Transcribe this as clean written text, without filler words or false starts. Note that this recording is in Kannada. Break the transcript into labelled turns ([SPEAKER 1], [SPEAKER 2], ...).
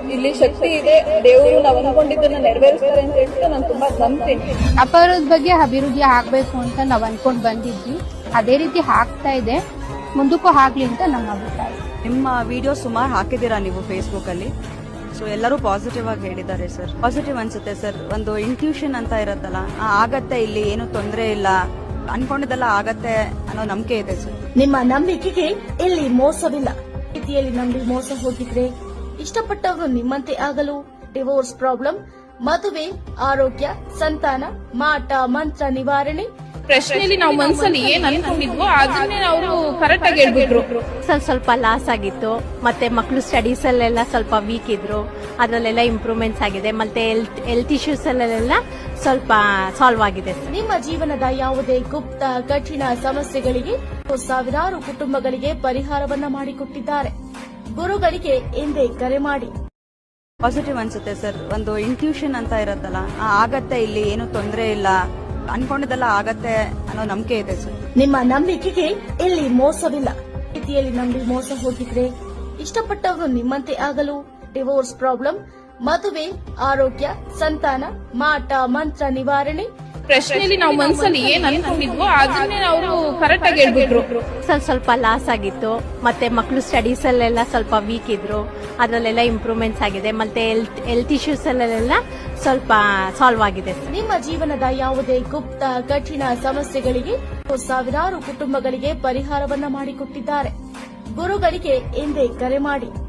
[SPEAKER 1] ಇಲ್ಲಿ ಶಕ್ತಿ ಇದೆ, ದೇವರು ನಾವು ಅನ್ಕೊಂಡಿದ್ದನ್ನ ನೆರವೇರಿಸ್ತಾರೆ ಅಂತ ಹೇಳ್ಬಿಟ್ಟು ನಾನು ತುಂಬಾ ನಂಬ್ತೀನಿ.
[SPEAKER 2] ಅಪರಾಧದ ಬಗ್ಗೆ ಅಭಿವೃದ್ಧಿ ಆಗ್ಬೇಕು ಅಂತ ನಾವ್ ಅನ್ಕೊಂಡ್ ಬಂದಿದ್ವಿ, ಅದೇ ರೀತಿ ಆಗ್ತಾ ಇದೆ, ಮುಂದಕ್ಕೂ ಆಗ್ಲಿ ಅಂತ ನಮ್ಮ ಅಭಿಪ್ರಾಯ.
[SPEAKER 3] ನಿಮ್ಮ ವಿಡಿಯೋ ಸುಮಾರು ಹಾಕಿದ್ದೀರಾ ನೀವು ಫೇಸ್ಬುಕ್ ಅಲ್ಲಿ, ಸೊ ಎಲ್ಲರೂ ಪಾಸಿಟಿವ್ ಆಗಿ ಹೇಳಿದ್ದಾರೆ ಸರ್. ಪಾಸಿಟಿವ್ ಅನ್ಸುತ್ತೆ ಸರ್. ಒಂದು ಇಂಟ್ಯೂಷನ್ ಅಂತ ಇರುತ್ತಲ್ಲ, ಆಗತ್ತೆ, ಇಲ್ಲಿ ಏನು ತೊಂದರೆ ಇಲ್ಲ, ಅನ್ಕೊಂಡಿದ್ದೆಲ್ಲ ಆಗತ್ತೆ ಅನ್ನೋ ನಂಬಿಕೆ ಇದೆ ಸರ್.
[SPEAKER 4] ನಿಮ್ಮ ನಂಬಿಕೆಗೆ ಇಲ್ಲಿ ಮೋಸವಿಲ್ಲ. ರೀತಿಯಲ್ಲಿ ನಂಬಿ ಮೋಸ ಹೋಗಿದ್ರೆ ಇಷ್ಟಪಟ್ಟವರು ನಿಮ್ಮಂತೆ ಆಗಲು ಡಿವೋರ್ಸ್ ಪ್ರಾಬ್ಲಮ್, ಮದುವೆ, ಆರೋಗ್ಯ, ಸಂತಾನ, ಮಾಟ ಮಂತ್ರ ನಿವಾರಣೆ,
[SPEAKER 1] ಪ್ರಶ್ನೆಯಲ್ಲಿ ನಾವು ಮನಸ್ಸಲ್ಲಿ ಏನ್ ಅನ್ಕೊಂಡಿದ್ವೋ ಅದನ್ನೇ ಅವರು ಕರೆಕ್ಟ್ ಆಗಿ ಹೇಳ್ಬಿಟ್ರು.
[SPEAKER 5] ಸ್ವಲ್ಪ ಲಾಸ್ ಆಗಿತ್ತು, ಮತ್ತೆ ಮಕ್ಕಳು ಸ್ಟಡೀಸ್ ಅಲ್ಲೆಲ್ಲ ಸ್ವಲ್ಪ ವೀಕ್ ಇದ್ರು, ಅದರಲ್ಲೆಲ್ಲ ಇಂಪ್ರೂವ್ಮೆಂಟ್ಸ್ ಆಗಿದೆ, ಮತ್ತೆ ಹೆಲ್ತ್ ಇಶ್ಯೂಸ್ ಅಲ್ಲೆಲ್ಲ ಸ್ವಲ್ಪ ಸಾಲ್ವ್ ಆಗಿದೆ.
[SPEAKER 4] ನಿಮ್ಮ ಜೀವನದ ಯಾವುದೇ ಗುಪ್ತ ಕಠಿಣ ಸಮಸ್ಯೆಗಳಿಗೆ ಸಾವಿರಾರು ಕುಟುಂಬಗಳಿಗೆ ಪರಿಹಾರವನ್ನ ಮಾಡಿಕೊಟ್ಟಿದ್ದಾರೆ. ಗುರುಗಳಿಗೆ ಎಂದೇ ಕರೆ ಮಾಡಿ.
[SPEAKER 3] ಪಾಸಿಟಿವ್ ಅನ್ಸುತ್ತೆ ಸರ್. ಒಂದು ಇಂಟ್ಯೂಷನ್ ಅಂತ ಇರುತ್ತಲ್ಲ, ಆಗತ್ತೆ, ಇಲ್ಲಿ ಏನು ತೊಂದರೆ ಇಲ್ಲ, ಅನ್ಕೊಂಡಿದ್ದೆಲ್ಲ ಆಗತ್ತೆ ಅನ್ನೋ ನಂಬಿಕೆ ಇದೆ ಸರ್.
[SPEAKER 4] ನಿಮ್ಮ ನಂಬಿಕೆಗೆ ಇಲ್ಲಿ ಮೋಸವಿಲ್ಲ. ರೀತಿಯಲ್ಲಿ ನಂಬಿ ಮೋಸ ಹೋಗಿದ್ರೆ ಇಷ್ಟಪಟ್ಟವರು ನಿಮ್ಮಂತೆ ಆಗಲು ಡಿವೋರ್ಸ್ ಪ್ರಾಬ್ಲಮ್, ಮದುವೆ, ಆರೋಗ್ಯ, ಸಂತಾನ, ಮಾಟ ಮಂತ್ರ ನಿವಾರಣೆ,
[SPEAKER 1] ಪ್ರಶ್ನೆಯಲ್ಲಿ ನಾವು ಮನಸ್ಸಲ್ಲಿ ಏನ್ ಅನ್ಕೊಂಡಿದ್ವೋ ಅದನ್ನೇ ಅವರು ಕರೆಕ್ಟ್ ಆಗಿ ಹೇಳ್ಬಿಟ್ರು.
[SPEAKER 5] ಸ್ವಲ್ಪ ಲಾಸ್ ಆಗಿತ್ತು, ಮತ್ತೆ ಮಕ್ಕಳು ಸ್ಟಡೀಸ್ ಅಲ್ಲೆಲ್ಲ ಸ್ವಲ್ಪ ವೀಕ್ ಇದ್ರು, ಅದರಲ್ಲೆಲ್ಲ ಇಂಪ್ರೂವ್ಮೆಂಟ್ಸ್ ಆಗಿದೆ, ಮತ್ತೆ ಹೆಲ್ತ್ ಇಶ್ಯೂಸ್ ಅಲ್ಲೆಲ್ಲ ಸ್ವಲ್ಪ ಸಾಲ್ವ್ ಆಗಿದೆ.
[SPEAKER 4] ನಿಮ್ಮ ಜೀವನದ ಯಾವುದೇ ಗುಪ್ತ ಕಠಿಣ ಸಮಸ್ಯೆಗಳಿಗೆ ಸಾವಿರಾರು ಕುಟುಂಬಗಳಿಗೆ ಪರಿಹಾರವನ್ನ ಮಾಡಿಕೊಟ್ಟಿದ್ದಾರೆ. ಗುರುಗಳಿಗೆ ಎಂದೇ ಕರೆ ಮಾಡಿ.